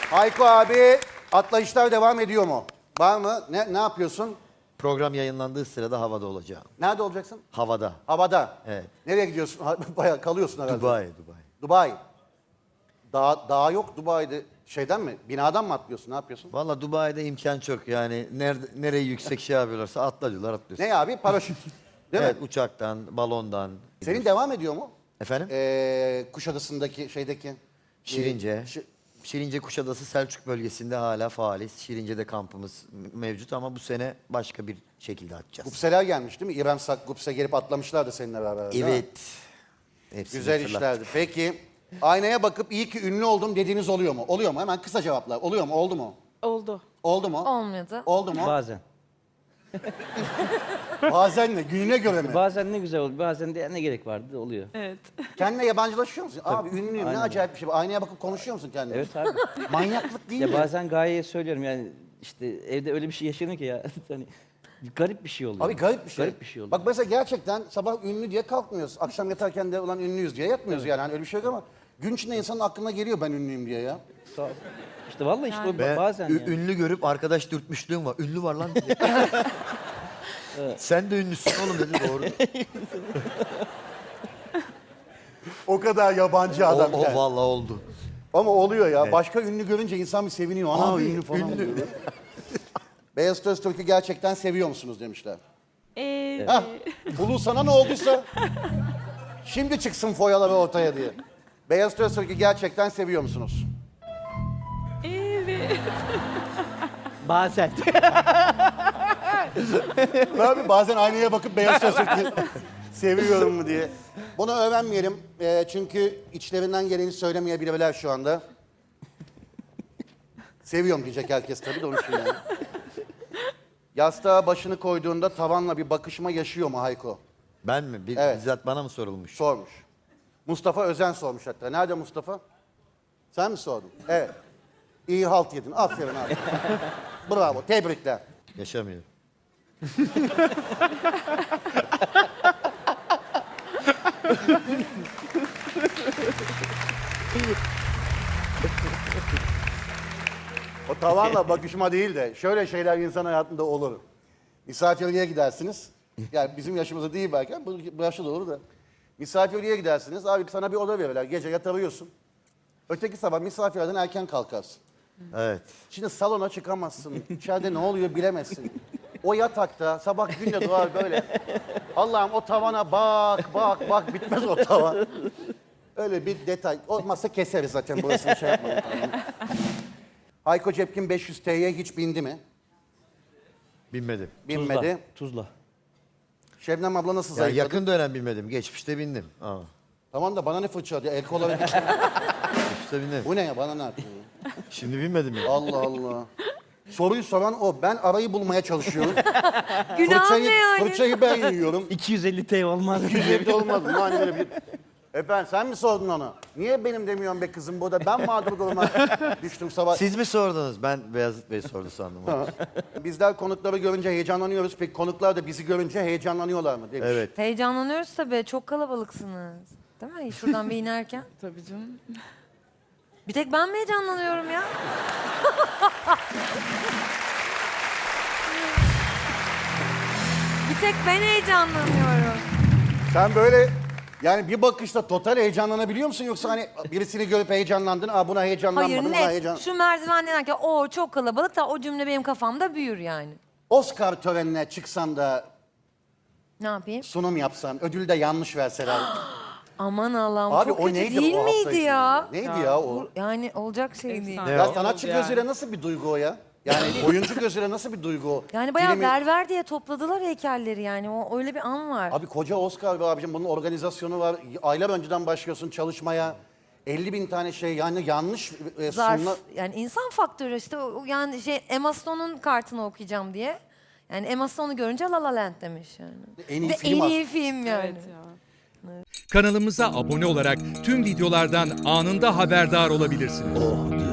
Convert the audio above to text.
Hayko abi, atlayışlar devam ediyor mu? Var mı? Ne yapıyorsun? Program yayınlandığı sırada havada olacağım. Nerede olacaksın? Havada. Havada. Evet. Nereye gidiyorsun? Bayağı kalıyorsun herhalde. Dubai. Dubai. Dağ yok Dubai'de. Şeyden mi? Binadan mı atlıyorsun? Ne yapıyorsun? Valla Dubai'de imkan çok yani. Nereyi yüksek şey yapıyorlarsa atla diyorlar atlıyorsun. Ne abi? Paraşüt. Değil Evet mi? uçaktan, balondan. Senin devam ediyor mu? Efendim? Kuşadası'ndaki şeydeki. Şirince. Şirince Kuşadası Selçuk bölgesinde hala faaliz. Şirince'de kampımız mevcut ama bu sene başka bir şekilde açacağız. Gupseler gelmiş değil mi? İrem Sak, Gupse gelip atlamışlardı seninle beraber. değil mi? Evet. Hepsini Güzel fırlat. işlerdi. Peki aynaya bakıp iyi ki ünlü oldum dediğiniz oluyor mu? Oluyor mu? Hemen kısa cevaplar. Oluyor mu? Oldu mu? Oldu. Oldu mu? Olmadı. Oldu mu? Bazen. Bazen ne? Gününe göre mi? Bazen ne güzel oluyor. Bazen de ne gerek vardı oluyor. Evet. Kendine yabancılaşıyor musun? Abi ünlüyüm ne Aynen. acayip bir şey. Aynaya bakıp konuşuyor musun kendine? Evet abi. Manyaklık değil Ya mi? bazen gayeye söylüyorum yani işte evde öyle bir şey yaşanıyor ki ya. Hani garip bir şey oluyor. Abi garip bir şey. Garip bir şey oluyor. Bak mesela gerçekten sabah ünlü diye kalkmıyoruz. Akşam yatarken de ulan ünlüyüz diye yatmıyoruz yani. Hani öyle bir şey yok ama gün içinde insanın aklına geliyor ben ünlüyüm diye ya. Sağ ol. İşte vallahi işte o Ben bazen yani. ünlü görüp arkadaş dürtmüşlüğüm var. Ünlü var lan. Sen de ünlüsün oğlum dedi doğru. O kadar yabancı adam. O yani. vallahi oldu. Ama oluyor ya. Başka ünlü görünce insan bir seviniyor. Ana Abi, ünlü falan ünlü. oluyor. Beyaz Öztürk'ü gerçekten seviyor musunuz demişler. Evet. Hah, Bulu sana ne olduysa şimdi çıksın foyaları ortaya diye. Beyaz Öztürk'ü gerçekten seviyor musunuz? Evet. Bazen. Ne abi bazen aynaya bakıp Beyaz Öztürk'ü seviyorum mu diye. Bunu öğrenmeyelim çünkü içlerinden geleni söylemeyebilirler şu anda. Seviyorum diyecek herkes tabii de onun için yani. Yastığa başını koyduğunda tavanla bir bakışma yaşıyor mu Hayko? Ben mi? Evet. Bizzat bana mı sorulmuş? Sormuş. Mustafa Özen sormuş hatta. Nerede Mustafa? Sen mi sordun? Evet. İyi halt yedin. Aferin abi. Bravo. Tebrikler. Yaşamıyor. O tavanla bakışma değil de şöyle şeyler insan hayatında olur. Misafirliğe gidersiniz. Yani bizim yaşımızda değil belki ama bu yaşta da olur da. Misafirliğe gidersiniz. Abi sana bir oda verirler. Gece yatarıyorsun. Öteki sabah misafirlerden erken kalkarsın. Evet. Şimdi salona çıkamazsın. İçeride ne oluyor bilemezsin. O yatakta sabah günle doğar böyle. Allah'ım o tavana bak bitmez o tavan. Öyle bir detay. Olmazsa keseriz zaten burasını şey yapmayın. Hayko Cepkin 500 T'ye hiç bindi mi? Binmedim. Binmedi. Tuzla. Şebnem abla nasıl Ya zayıfladı? yakın dönem binmedim. Geçmişte bindim. Aa. Tamam da bana ne fırça diye el kola Geçmişte bindim. Bu ne ya bana ne yapıyor? Şimdi binmedim ya. Allah Allah. Soruyu soran o. Ben arayı bulmaya çalışıyorum. Günah ne yani? Fırçayı ben yiyorum. 250 TL olmaz. 250 olmaz mı? Hani böyle bir... Efendim sen mi sordun onu? Niye benim demiyorsun be kızım burada? Ben mağdur duruma düştüm sabah. Siz mi sordunuz? Ben Beyazıt Bey sordu sandım. Bizler konukları görünce heyecanlanıyoruz. Peki konuklar da bizi görünce heyecanlanıyorlar mı demiş. Evet. Heyecanlanıyoruz tabii. Çok kalabalıksınız. Değil mi? Şuradan bir inerken. Tabii canım. Bir tek ben mi heyecanlanıyorum ya? Bir tek ben heyecanlanıyorum. Sen böyle yani bir bakışta total heyecanlanabiliyor musun? Yoksa hani birisini görüp heyecanlandın, buna heyecanlanmadın, Hayır buna net. heyecan... Şu merdiven denerken o çok kalabalık da o cümle benim kafamda büyür yani. Oscar törenine çıksan da Ne yapayım? sunum yapsan, ödülü de yanlış verseler. Aman Allah'ım Abi çok o kötü neydi değil o hafta miydi içinde? ya? Neydi ya o? Yani olacak şey değil. Efsane. Ya oldu sanatçı yani. gözüyle nasıl bir duygu o ya? Yani oyuncu gözüyle nasıl bir duygu o? Yani bayağı Filmi- ver diye topladılar heykelleri yani. O öyle bir an var. Abi koca Oscar be abicim bunun organizasyonu var. Aylar önceden başlıyorsun çalışmaya. 50.000 tane şey yani yanlış Zarf. sunma... Yani insan faktörü işte yani Emma Stone'un kartını okuyacağım diye. Yani Emma Stone'u görünce La La Land demiş yani. En iyi Ve film en iyi film yani. Evet ya. Kanalımıza abone olarak tüm videolardan anında haberdar olabilirsiniz.